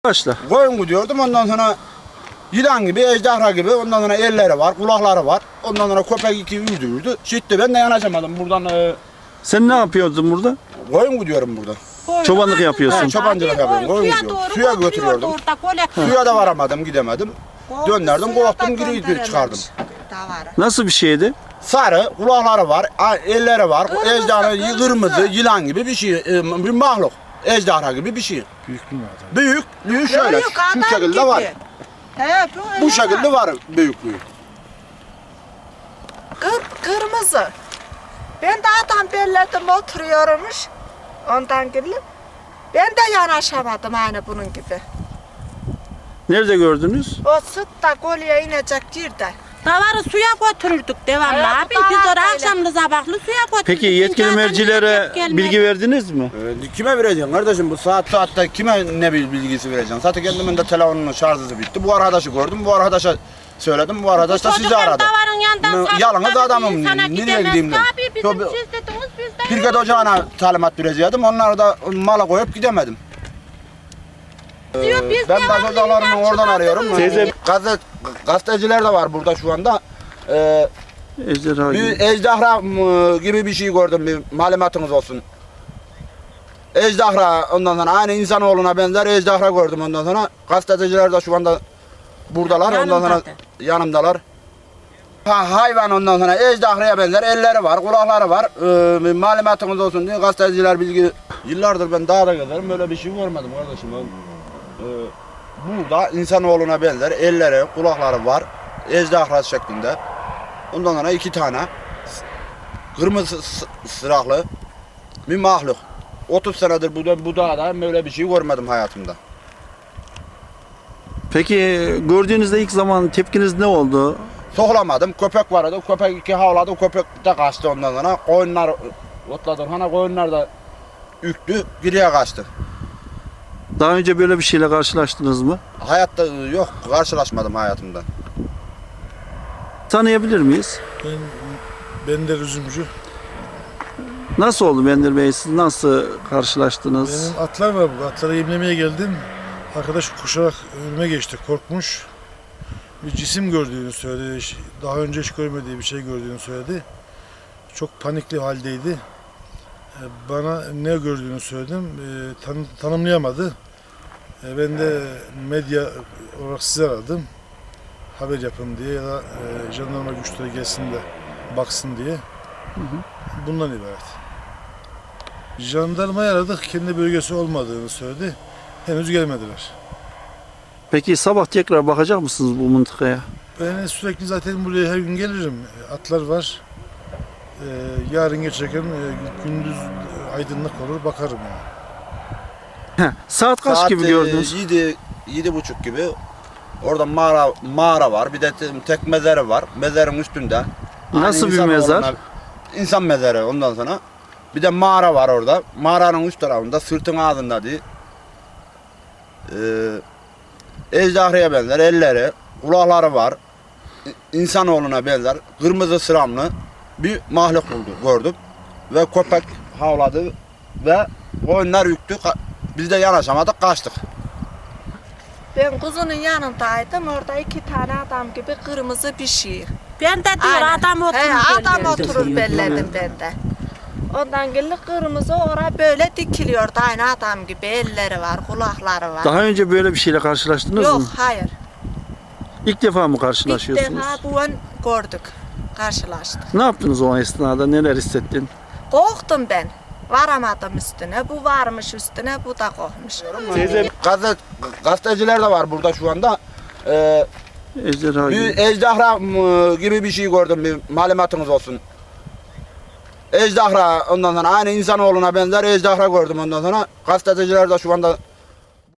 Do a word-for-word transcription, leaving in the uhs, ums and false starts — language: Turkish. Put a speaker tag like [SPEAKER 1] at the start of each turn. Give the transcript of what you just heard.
[SPEAKER 1] Başla.
[SPEAKER 2] Koyun gidiyordum, ondan sonra yılan gibi, ejderha gibi, ondan sonra elleri var, kulakları var. Ondan sonra köpek iki yürüdü yürüdü. Şitti, ben de yanaşamadım buradan. E,
[SPEAKER 1] Sen ne yapıyordun burada?
[SPEAKER 2] koyun gidiyorum burada.
[SPEAKER 1] Çobanlık yapıyorsun.
[SPEAKER 2] He, çobancılık yapıyorum, koyun gidiyorum. Suya götürüyordum. Suya da varamadım, gidemedim. Döndürdüm, kovdum, geri çıkardım.
[SPEAKER 1] Nasıl bir şeydi?
[SPEAKER 2] Sarı, kulakları var, elleri var, ejderha, kırmızı, yılan gibi bir şey, e, bir mahluk. Ejderha gibi bir şey.
[SPEAKER 3] Büyük mü adam?
[SPEAKER 2] Büyüklüğü şöyle,
[SPEAKER 4] Büyük
[SPEAKER 2] şu
[SPEAKER 4] adam
[SPEAKER 2] şekilde
[SPEAKER 4] gibi.
[SPEAKER 2] var.
[SPEAKER 4] He, bu,
[SPEAKER 2] Bu
[SPEAKER 4] öyle
[SPEAKER 2] şekilde
[SPEAKER 4] var.
[SPEAKER 2] var büyüklüğü.
[SPEAKER 4] Kır, kırmızı. Ben de adam belledim oturuyormuş. Ondan gelip. Ben de yanaşamadım aynı bunun gibi.
[SPEAKER 1] Nerede gördünüz?
[SPEAKER 4] O sıt da kolye inecek yerde.
[SPEAKER 5] Davarı suya götürürdük devamlı
[SPEAKER 4] Evet,
[SPEAKER 5] abi.
[SPEAKER 4] davar
[SPEAKER 5] Biz oraya
[SPEAKER 4] böyle.
[SPEAKER 5] akşamlı sabahlı suya götürürdük.
[SPEAKER 1] Peki yetkili
[SPEAKER 5] Çünkü
[SPEAKER 1] mercilere
[SPEAKER 5] adam gelmedi.
[SPEAKER 1] bilgi verdiniz mi?
[SPEAKER 2] Ee, kime vereceksin kardeşim, bu saat saatte kime ne bil- bilgisi vereceksin? Zaten kendimin de telefonunun şarjı bitti. Bu arkadaşı gördüm, bu arkadaşa söyledim, bu arkadaş da sizi
[SPEAKER 5] Çocuklar
[SPEAKER 2] aradı.
[SPEAKER 5] davarın yanından
[SPEAKER 2] Ne-
[SPEAKER 5] sarıp
[SPEAKER 2] yalnız
[SPEAKER 5] da
[SPEAKER 2] adamım,
[SPEAKER 5] bir insana
[SPEAKER 2] nereye
[SPEAKER 5] gidemez.
[SPEAKER 2] gideyim dedim.
[SPEAKER 5] Abi bizim
[SPEAKER 2] Tabii.
[SPEAKER 5] siz dediniz biz de
[SPEAKER 2] Pirket ocağına talimat verecektim, onları da mala koyup gidemedim.
[SPEAKER 5] diyor, biz
[SPEAKER 2] Ben
[SPEAKER 5] devamlı
[SPEAKER 2] gazetecilerimi
[SPEAKER 5] ilaç
[SPEAKER 2] oradan
[SPEAKER 5] çıkartırız.
[SPEAKER 2] arıyorum.
[SPEAKER 1] Teyze-
[SPEAKER 2] Gazet, gazeteciler de var burada şu anda. Ee,
[SPEAKER 1] Ejderha
[SPEAKER 2] bir
[SPEAKER 1] gibi.
[SPEAKER 2] ejderha mı gibi bir şey gördüm, bir malumatınız olsun. Ejderha, ondan sonra aynı insanoğluna benzer ejderha gördüm, ondan sonra gazeteciler de şu anda buradalar, ondan sonra
[SPEAKER 5] Yanımdadır.
[SPEAKER 2] yanımdalar. Ha, hayvan, ondan sonra ejderhaya benzer elleri var, kulakları var. Ee, bir malumatınız olsun diye gazeteciler bilgi. Yıllardır ben dağda gezerim, böyle bir şey görmedim kardeşim. Ee, burada insanoğluna benzer elleri, kulakları var, ejderha şeklinde. Ondan sonra iki tane kırmızı s- sıraklı bir mahluk. otuz senedir bu, bu dağda böyle bir şey görmedim hayatımda.
[SPEAKER 1] Peki gördüğünüzde ilk zaman tepkiniz ne oldu?
[SPEAKER 2] Soğlamadım, köpek vardı, köpek iki havladı, köpek de kaçtı ondan sonra. Koyunlar otladı, hani koyunlar da üktü, geriye kaçtı.
[SPEAKER 1] Daha önce böyle bir şeyle karşılaştınız mı?
[SPEAKER 2] Hayatta yok, karşılaşmadım hayatımda.
[SPEAKER 1] Tanıyabilir miyiz?
[SPEAKER 3] Ben, ben de üzümcü.
[SPEAKER 1] Nasıl oldu Bendir Bey? Siz nasıl karşılaştınız?
[SPEAKER 3] Benim atlar var burada. Atları yemlemeye geldim. Arkadaş koşarak önüme geçti. Korkmuş. Bir cisim gördüğünü söyledi. Daha önce hiç görmediği bir şey gördüğünü söyledi. Çok panikli haldeydi. E, Bana ne gördüğünü söyledim. E, Tan tanımlayamadı. E, Ben de medya olarak sizi aradım. Haber yapın diye ya da e, jandarma güçleri gelsin de baksın diye. Bundan ibaret. Jandarmayı aradık, kendi bölgesi olmadığını söyledi. Henüz gelmediler.
[SPEAKER 1] Peki sabah tekrar bakacak mısınız bu mıntıkaya?
[SPEAKER 3] Ben sürekli zaten buraya her gün gelirim. Atlar var. Ee, yarın geçerken e, gündüz aydınlık olur, bakarım yani.
[SPEAKER 1] Heh, saat kaç
[SPEAKER 2] Saat
[SPEAKER 1] gibi
[SPEAKER 2] e,
[SPEAKER 1] gördünüz?
[SPEAKER 2] Yedi, yedi buçuk gibi. Orada mağara, mağara var, bir de te- tek mezarı var. Mezarın üstünde.
[SPEAKER 1] Nasıl
[SPEAKER 2] Aynı
[SPEAKER 1] bir
[SPEAKER 2] insan
[SPEAKER 1] mezar?
[SPEAKER 2] oğluna- İnsan mezarı ondan sonra. Bir de mağara var orada. Mağaranın üst tarafında, sırtın ağzında değil. Ee, ejderhaya benzer elleri, kulakları var. İ- İnsanoğluna benzer kırmızı sıramlı bir mahluk buldu, gördüm. Ve köpek havladı ve koyunlar yüktü. Ka- Biz de yanaşamadık, kaçtık.
[SPEAKER 4] Ben kuzunun yanındaydım. Orada iki tane adam gibi kırmızı bir şey.
[SPEAKER 5] Ben de diyor
[SPEAKER 4] Aynen.
[SPEAKER 5] adam oturur.
[SPEAKER 4] He, adam
[SPEAKER 5] bellerdi.
[SPEAKER 4] oturur belledim ben de. Ondan gelip kırmızı oraya böyle dikiliyordu. Aynı adam gibi elleri var, kulakları var.
[SPEAKER 1] Daha önce böyle bir şeyle karşılaştınız
[SPEAKER 4] Yok,
[SPEAKER 1] mı?
[SPEAKER 4] hayır.
[SPEAKER 1] İlk defa mı
[SPEAKER 4] İlk
[SPEAKER 1] karşılaşıyorsunuz?
[SPEAKER 4] defa bu an gördük. Karşılaştık.
[SPEAKER 1] Ne yaptınız o esnada? Neler hissettin?
[SPEAKER 4] Korktum ben. Varamadım üstüne. Bu varmış üstüne, bu da korkmuş.
[SPEAKER 1] Teyze
[SPEAKER 2] Gazet, gazeteciler de var burada şu anda. Ee,
[SPEAKER 1] ejderha
[SPEAKER 2] bir
[SPEAKER 1] gibi.
[SPEAKER 2] ejderha mı gibi bir şey gördüm, bir malumatınız olsun. Ejderha, ondan sonra aynı insanoğluna benzer ejderha gördüm, ondan sonra gazeteciler de şu anda